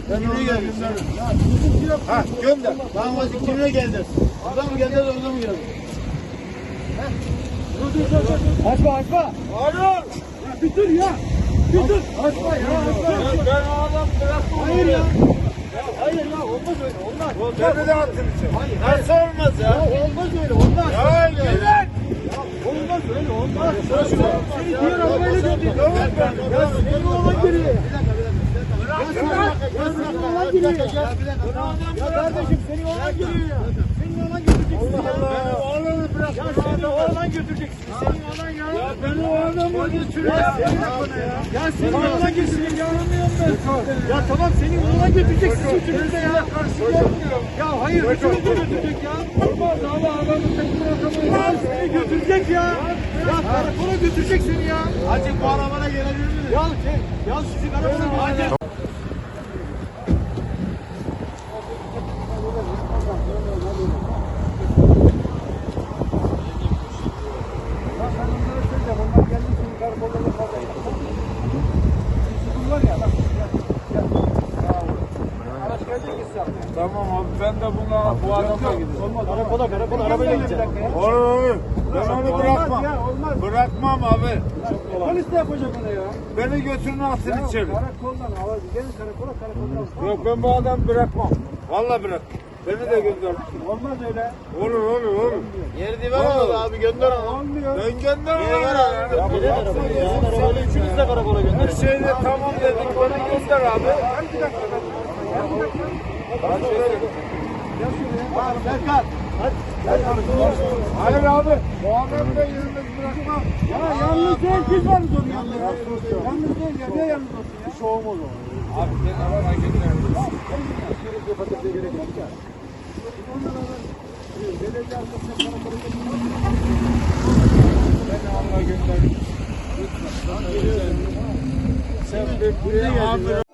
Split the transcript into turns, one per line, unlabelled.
Kimine geldi? Ha gönder. Damacık kimine geldi? Orada mı geldi, orada mı geldi?
Açma açma.
Hayır.
Bir dur ya. Bir dur. Açma ya.
Ben o adam bıraktım.
Hayır ya. Hayır ya olmaz öyle olmaz.
Beni de attın içeri. Nasıl olmaz ya?
Olmaz öyle olmaz.
Ya gel.
Olmaz öyle olmaz. Seni diğer arabayla götür. Ya senin oğlan geriye. Ya senin oğlan geriye. Ya kardeşim senin oğlan geriye ya. Senin oğlan götüreceksin ya.
Benim oğlanı bırak.
Ya senin oğlan götüreceksin. Senin oğlan ya.
Ya benim oğlanı götürüyor.
Ya senin oğlan götüreceksin ya. Ya tamam senin oğlan götüreceksin üçünüzde ya. Ya hayır üçünüzde götürecek ya. Olmaz ama adamın tekrar adamı seni götürecek ya. Ya karakola götürecek seni ya.
Hacı bu arabana gelebilir mi?
Ya sizi karakola götürecek.
Tamam abi ben de bu adamla gidiyorum.
Olmaz karakola arabayla gidecek.
Olur. Ben onu bırakmam.
Olmaz.
Bırakmam abi.
Polis de yapacak onu ya.
Beni götürün atın içeri.
Karakoldan gelin karakola.
Yok ben bu adamı bırakmam. Vallahi bırak. Beni de gönder.
Olmaz öyle.
Olur. Yeri diver abi gönder onu.
Olmuyor.
Ben gönder onu.
Neden arabayı ya? Arabayla üçünüz de karakola
Her
gönderin.
şeyde tamam dedik. Beni gönder abi.
Bir dakika. Serkan.
Hayır abi. Bu adamı da yalnız bırakmam.
Ya yalnız değil siz varız onun yanında. Yalnız değil ya. Niye yalnız olsun ya? Bir şey olmaz o.
Abi seni arabaya gönder. Beni Allah'a gönder. Sen bir buraya amir